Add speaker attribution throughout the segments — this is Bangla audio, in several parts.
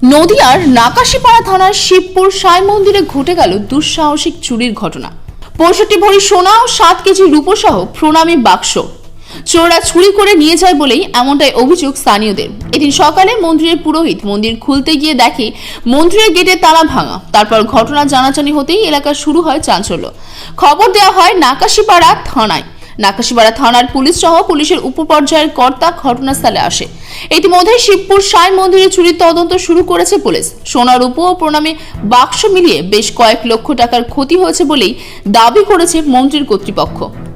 Speaker 1: নদিয়ার নাকাশিপাড়া থানার শিবপুর সাই মন্দিরে ঘটে গেল দুঃসাহসিক চুরির ঘটনা। ৬৫ ভরি সোনা ও ৭ কেজি রূপো সহ প্রণামী বাক্স চোররা চুরি করে নিয়ে যায় বলেই এমনটাই অভিযোগ স্থানীয়দের। এদিন সকালে মন্দিরের পুরোহিত মন্দির খুলতে গিয়ে দেখে মন্দিরের গেটে তালা ভাঙা। তারপর ঘটনা জানাজানি হতেই এলাকা শুরু হয় চাঞ্চল্য। খবর দেওয়া হয় নাকাশিপাড়া থানায়। নাকাশিপাড়া থানার পুলিশ সহ পুলিশের উপপর্যায়ের কর্তা ঘটনাস্থলে আসে। ইতিমধ্যে শিবপুর সাই মন্দিরে চুরির তদন্ত শুরু করেছে পুলিশ। সোনা রূপো ও প্রণামী বাক্স মিলিয়ে বেশ কয়েক লক্ষ টাকার ক্ষতি হয়েছে বলেই দাবি করেছে মন্দির কর্তৃপক্ষ।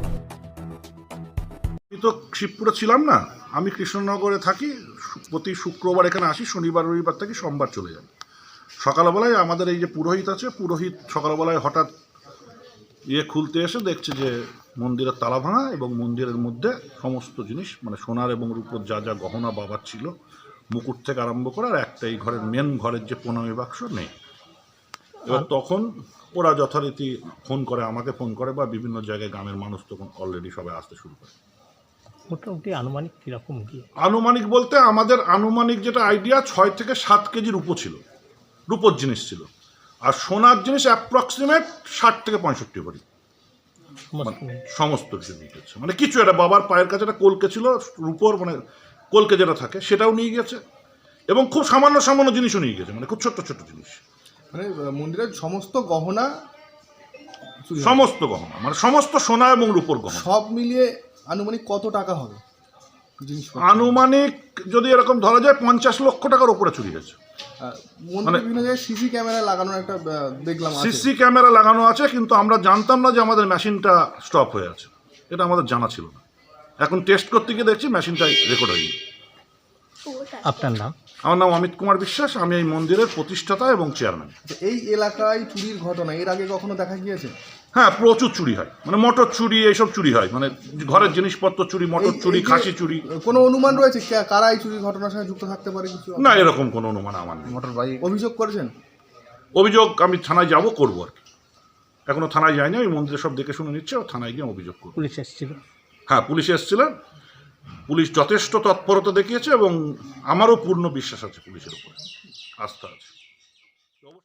Speaker 2: আমি তো শিবপুরে ছিলাম না, আমি কৃষ্ণনগরে থাকি। প্রতি শুক্রবার এখানে আসি, শনিবার রবিবার থেকে সোমবার চলে যাই। সকালবেলায় আমাদের এই যে পুরোহিত আছে, পুরোহিত সকালবেলায় হঠাৎ খুলতে এসে দেখছে যে মন্দিরের তালা ভাঙা এবং মন্দিরের মধ্যে সমস্ত জিনিস মানে সোনার এবং রূপোর যা যা গহনা বাবার ছিল, মুকুট থেকে আরম্ভ করে আর একটা এই ঘরের মেন ঘরের যে প্রণামী বাক্স নেই। এবার তখন ওরা যথারীতি ফোন করে, আমাকে ফোন করে বা বিভিন্ন জায়গায় গ্রামের মানুষ তখন অলরেডি সবাই আসতে শুরু করে।
Speaker 3: মোটামুটি আনুমানিক কীরকম কি?
Speaker 2: আনুমানিক বলতে আমাদের আনুমানিক যেটা আইডিয়া ৬ থেকে ৭ কেজি রূপো ছিল, রূপোর জিনিস ছিল। আর সোনার জিনিস অ্যাপ্রক্সিমেট ৬০ থেকে ৬৫ ভরি সমস্ত কিছু নিয়ে গেছে। মানে কিছু একটা বাবার পায়ের কাছে একটা কলকে ছিল রূপোর, মানে কলকে যেটা থাকে সেটাও নিয়ে গেছে এবং খুব সামান্য সামান্য জিনিসও নিয়ে গেছে, মানে খুব ছোট্ট ছোট্ট জিনিস।
Speaker 4: মানে মন্দিরের সমস্ত গহনা,
Speaker 2: সমস্ত গহনা মানে সমস্ত সোনা এবং রূপোর গহনা
Speaker 4: সব মিলিয়ে আনুমানিক কত টাকা হবে?
Speaker 2: আনুমানিক যদি এরকম ধরা যায় ৫০ লক্ষ টাকার উপরে চুরি হয়েছে।
Speaker 4: মন্দিরে বিভিন্ন জায়গায় সিসি ক্যামেরা লাগানো একটা দেখলাম,
Speaker 2: সিসি ক্যামেরা লাগানো আছে, কিন্তু আমরা জানতাম না যে আমাদের মেশিনটা স্টপ হয়ে আছে, এটা আমাদের জানা ছিল না। এখন টেস্ট করতে গিয়ে দেখছি মেশিনটাই রেকর্ড হয়নি।
Speaker 3: আপনার নাম?
Speaker 2: আমার নাম অমিত কুমার বিশ্বাস, আমি এই মন্দিরের প্রতিষ্ঠাতা এবং চেয়ারম্যান।
Speaker 4: এই এলাকায় চুরির ঘটনা এর আগে কখনো দেখা গিয়েছে?
Speaker 2: হ্যাঁ, প্রচুর চুরি হয়, মানে মোটর চুরি, এইসব চুরি হয়, মানে ঘরের জিনিসপত্র চুরি, মোটর চুরি, খাসি চুরি।
Speaker 4: কোনো অনুমান রয়েছে কারা এই চুরির ঘটনার সঙ্গে যুক্ত থাকতে পারে? কিছু
Speaker 2: না, এরকম কোনো অনুমান আমার নেই।
Speaker 4: মোটর বাইক অভিযোগ করেছেন?
Speaker 2: অভিযোগ আমি থানায় যাব, করবো আর কি। এখনো থানায় যায়নি, ওই মন্দিরে সব দেখে শুনে নিচ্ছে, থানায় গিয়ে অভিযোগ করবো।
Speaker 3: পুলিশ এসেছিল?
Speaker 2: হ্যাঁ, পুলিশ এসেছিলেন। পুলিশ যথেষ্ট তৎপরতা দেখিয়েছে এবং আমারও পূর্ণ বিশ্বাস আছে পুলিশের উপরে, আস্থা আছে।